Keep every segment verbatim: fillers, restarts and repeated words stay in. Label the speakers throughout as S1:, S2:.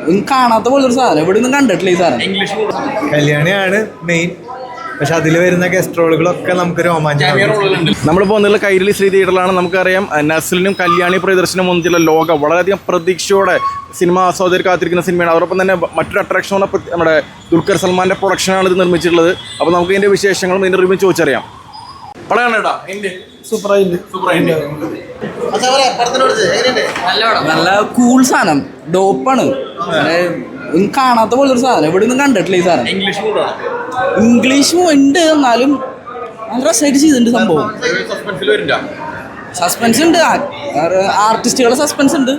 S1: കാണാത്ത പോലൊരു സാധനം, ഇവിടെ ഒന്നും കണ്ടിട്ടില്ല ഈ സാധനം.
S2: കല്യാണിയാണ് മെയിൻ, പക്ഷെ അതിൽ വരുന്ന ഗസ്ട്രോളുകളൊക്കെ നമുക്ക് രോമാഞ്ചം.
S3: നമ്മൾ പോകുന്നുള്ള കൈരളി ശ്രീ തിയേറ്ററിലാണ്. നമുക്കറിയാം നസ്ലിനും കല്യാണി പ്രിയദർശനും മുന്നിലുള്ള ലോക വളരെയധികം പ്രതീക്ഷയോടെ സിനിമ ആസ്വാദകർ കാത്തിരിക്കുന്ന സിനിമയാണ്. അതോടൊപ്പം തന്നെ മറ്റൊരു അട്രാക്ഷനാണ് നമ്മുടെ ദുൽഖർ സൽമാൻ്റെ പ്രൊഡക്ഷനാണ് ഇത് നിർമ്മിച്ചിട്ടുള്ളത്. അപ്പോൾ നമുക്ക് ഇതിൻ്റെ വിശേഷങ്ങളും ഇതിൻ്റെ റിവ്യൂ ചോദിച്ചറിയാം.
S1: നല്ല കൂൾ സാധനം, ഡോപ്പാണ്, കാണാത്ത പോലൊരു സാധനം, ഇവിടെ ഒന്നും കണ്ടിട്ടില്ല ഈ സാധനം. ഇംഗ്ലീഷും ഉണ്ട്, എന്നാലും നല്ല രസമായിട്ട് ചെയ്തിട്ടുണ്ട് സംഭവം. സസ്പെൻസ് ഉണ്ട്, ആർട്ടിസ്റ്റുകളുടെ സസ്പെൻസ് ഉണ്ട്.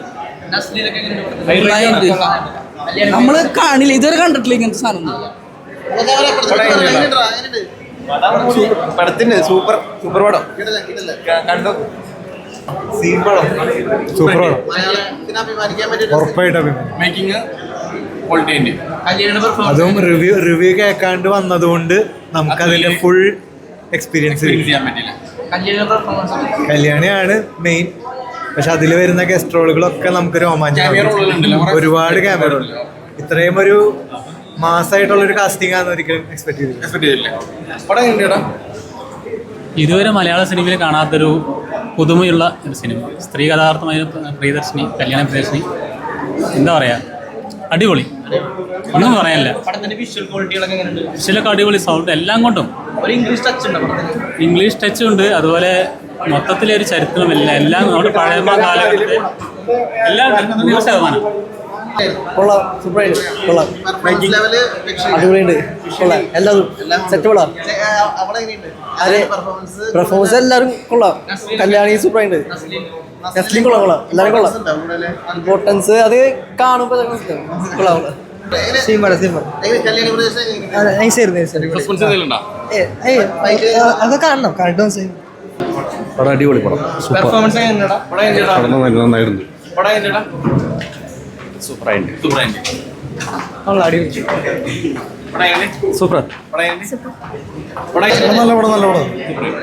S1: നമ്മള് കാണില്ല, ഇതുവരെ കണ്ടിട്ടില്ല ഇങ്ങനത്തെ സാധനം.
S2: പടത്തിന്റെ സൂപ്പർ സൂപ്പർ പടം കണ്ടു. സൂപ്പർ പടം, ഉറപ്പായിട്ട് അഭിമാനിക്കും. അതും റിവ്യൂ റിവ്യൂ കേൾക്കാണ്ട് വന്നതുകൊണ്ട് നമുക്കതിന്റെ ഫുൾ എക്സ്പീരിയൻസ് ചെയ്യാൻ പറ്റില്ല. കല്യാണിയാണ് മെയിൻ, പക്ഷെ അതിൽ വരുന്ന ഗസ്ട്രോളുകളൊക്കെ നമുക്ക് രോമാഞ്ചം. ഒരുപാട് ക്യാമറ, ഇത്രയും ഒരു മാസമായിട്ടുള്ളൊരു കാസ്റ്റിംഗ് ആണെന്ന് ഒരിക്കലും എക്സ്പെക്ട് ചെയ്തില്ല.
S4: ഇതുവരെ മലയാള സിനിമയിൽ കാണാത്തൊരു പുതുമയുള്ള ഒരു സിനിമ. സ്ത്രീ കഥാർത്ഥമായ പ്രിയദർശിനി, കല്യാണ പ്രിയദർശിനി, എന്താ പറയുക, അടിപൊളി, ഒന്നും പറയാനില്ല. വിഷ്വലൊക്കെ അടിപൊളി, സൗണ്ട് എല്ലാം കൊണ്ടും ഇംഗ്ലീഷ് ടച്ച് ഉണ്ട്. അതുപോലെ മൊത്തത്തിലൊരു ചരിത്രമില്ല, എല്ലാം നമ്മുടെ പഴയ കാലഘട്ടത്തെ എല്ലാം നൂറ് ശതമാനം
S5: കൊള്ളാം, സൂപ്പറായിട്ട് കൊള്ളാം, അടിപൊളിയുണ്ട്, കൊള്ളാം, എല്ലാതും സെറ്റ് കൊള്ളാം. അതെ, പെർഫോമൻസ് എല്ലാവരും കൊള്ളാം. കല്യാണി സൂപ്പറായിട്ട്, നസ്ലിൻ കൊള്ളാം, കൊള്ളാം, എല്ലാവരും കൊള്ളാം. ഇമ്പോർട്ടൻസ് അത് കാണുമ്പോൾ കൊള്ളാം, കൊള്ളാം. സീമാണ് സീമാണ് അത് കാണണം, കണ്ടു.
S3: പടം അടിപൊളി പടം, നന്നായിരുന്നു, സൂപ്പറായിട്ട് സൂപ്പർ.
S2: നല്ല പടം, നല്ല പടം,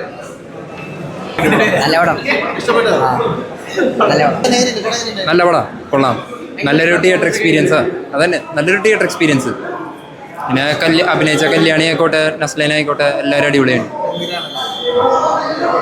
S6: നല്ല പടം, കൊള്ളാം. നല്ലൊരു തിയേറ്റർ എക്സ്പീരിയൻസാ, അതന്നെ നല്ലൊരു തിയേറ്റർ എക്സ്പീരിയൻസ്. പിന്നെ കല്യ അഭിനയിച്ച കല്യാണി ആയിക്കോട്ടെ, നസ്ലീൻ ആയിക്കോട്ടെ, എല്ലാവരും അടിപൊളിയാണ്.